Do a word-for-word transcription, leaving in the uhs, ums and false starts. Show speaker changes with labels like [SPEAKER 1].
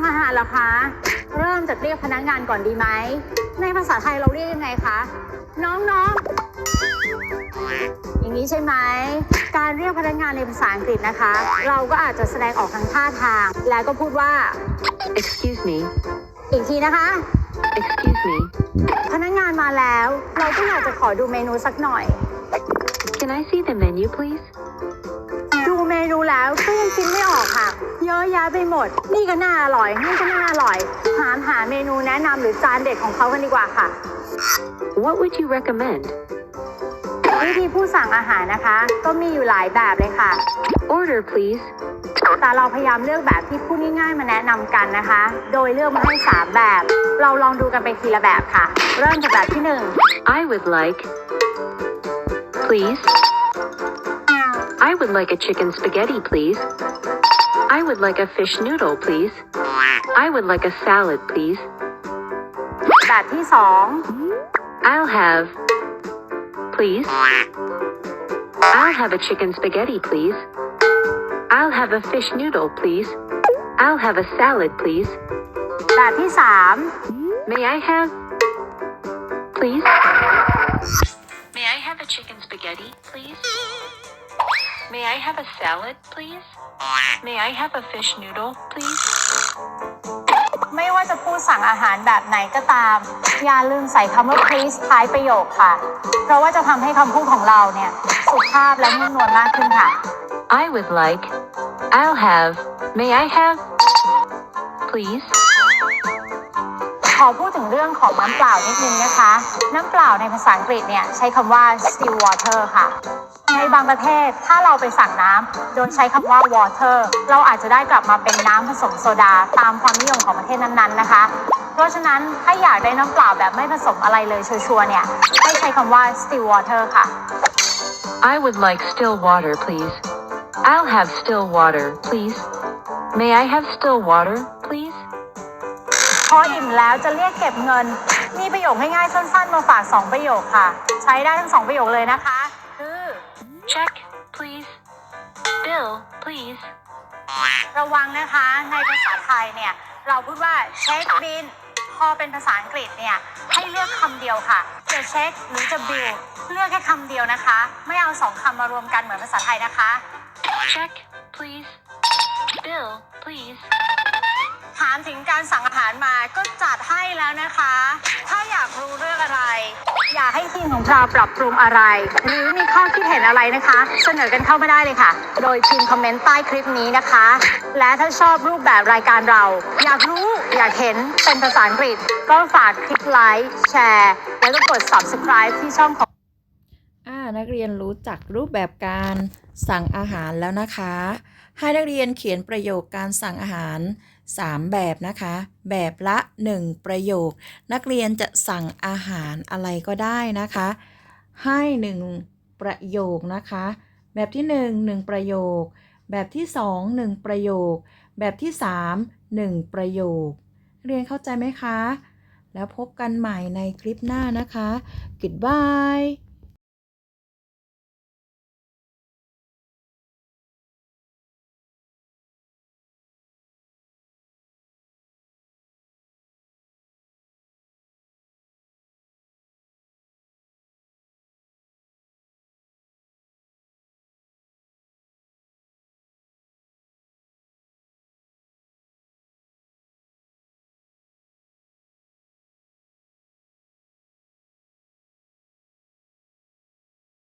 [SPEAKER 1] อาหารเหรอคะเริ่มจากเรียกพนักงานก่อนดีไหมในภาษาไทยเราเรียกยังไงคะน้องๆอย่างนี้ใช่ไหมการเรียกพนักงานในภาษาอังกฤษนะคะเราก็อาจจะแสดงออกทางท่าทางแล้วก็พูดว่า
[SPEAKER 2] Excuse me
[SPEAKER 1] อีกทีนะคะ
[SPEAKER 2] Excuse me
[SPEAKER 1] พนักงานมาแล้วเราก็อยากจะขอดูเมนูสักหน่อย
[SPEAKER 2] Can I see the menu please
[SPEAKER 1] ดูเมนูแล้วก็ยังคิดไม่ออกค่ะเยอะแยะไปหมดนี่ก็น่าอร่อยนี่ก็น่าอร่อยหาหาเมนูแนะนำหรือจานเด็ดของเขากันดีกว่าค่ะ
[SPEAKER 2] What would you recommend
[SPEAKER 1] วิธีผู้สั่งอาหารนะคะก็มีอยู่หลายแบบเลยค่ะ
[SPEAKER 2] Order please
[SPEAKER 1] แต่เราพยายามเลือกแบบที่พูดง่ายๆมาแนะนำกันนะคะโดยเลือกมาให้สามแบบเราลองดูกันไปทีละแบบค่ะเริ่มจากแบบที่หนึ่ง
[SPEAKER 2] I would like please I would like a chicken spaghetti please I would like a fish noodle please I would like a salad please
[SPEAKER 1] แบบที่สอง
[SPEAKER 2] I'll have please I'll have a chicken spaghetti please I'll have a fish noodle please I'll have a salad please
[SPEAKER 1] แบบที่สาม
[SPEAKER 2] May I have please May I have a chicken spaghetti please May I have a salad please May I have a fish noodle please
[SPEAKER 1] ไม่ว่าจะพูดสั่งอาหารแบบไหนก็ตามอย่าลืมใส่คำว่า please ท้ายประโยคค่ะเพราะว่าจะทำให้คำพูดของเราเนี่ยสุภาพและนุ่มนวลมากขึ้นค่ะ
[SPEAKER 2] I would like I'll have May I have please
[SPEAKER 1] ขอพูดถึงเรื่องของน้ำเปล่านิดนึงนะคะน้ำเปล่าในภาษาอังกฤษเนี่ยใช้คำว่า still water ค่ะในบางประเทศถ้าเราไปสั่งน้ำโดยใช้คำว่า water เราอาจจะได้กลับมาเป็นน้ำผสมโซดาตามความนิยมของประเทศนั้นๆนะคะเพราะฉะนั้นถ้าอยากได้น้ำเปล่าแบบไม่ผสมอะไรเลยชัวร์ๆเนี่ยให้ใช้คำว่า still water ค่ะ
[SPEAKER 2] I would like still water please I'll have still water please May I have still water please
[SPEAKER 1] พออิ่มแล้วจะเรียกเก็บเงินมีประโยคง่ายๆสั้นๆมาฝากสองประโยคค่ะใช้ได้ทั้งสองประโยคเลยนะคะคือ
[SPEAKER 2] Check please Bill please
[SPEAKER 1] ระวังนะคะในภาษาไทยเนี่ยเราพูดว่าเช็คบิลพอเป็นภาษาอังกฤษเนี่ยให้เลือกคำเดียวค่ะจะเช็คหรือจะบิลเลือกแค่คำเดียวนะคะไม่เอาสองคำมารวมกันเหมือนภาษาไทยนะคะ
[SPEAKER 2] Check please Bill please
[SPEAKER 1] ถามถึงการสั่งอาหารมาก็จัดให้แล้วนะคะ ถ้าอยากรู้เรื่องอะไร อยากให้ทีมของเราปรับปรุงอะไร หรือมีข้อคิดเห็นอะไรนะคะ เสนอกันเข้ามาได้เลยค่ะ โดยพิมพ์คอมเมนต์ใต้คลิปนี้นะคะ และถ้าชอบรูปแบบรายการเรา อยากรู้อยากเห็นเป็นภาษาอังกฤษ ก็ฝากคลิกไลค์แชร์แล้วก็กด subscribe ที่ช่องของ
[SPEAKER 3] อ่านักเรียนรู้จักรูปแบบการสั่งอาหารแล้วนะคะ ให้นักเรียนเขียนประโยคการสั่งอาหารสามแบบนะคะ แบบละหนึ่งประโยคนักเรียนจะสั่งอาหารอะไรก็ได้นะคะ ให้หนึ่งประโยคนะคะ แบบที่หนึ่ง หนึ่งประโยคแบบที่สอง หนึ่งประโยคแบบที่สาม หนึ่งประโยคเรียนเข้าใจไหมคะแล้วพบกันใหม่ในคลิปหน้านะคะ Goodbye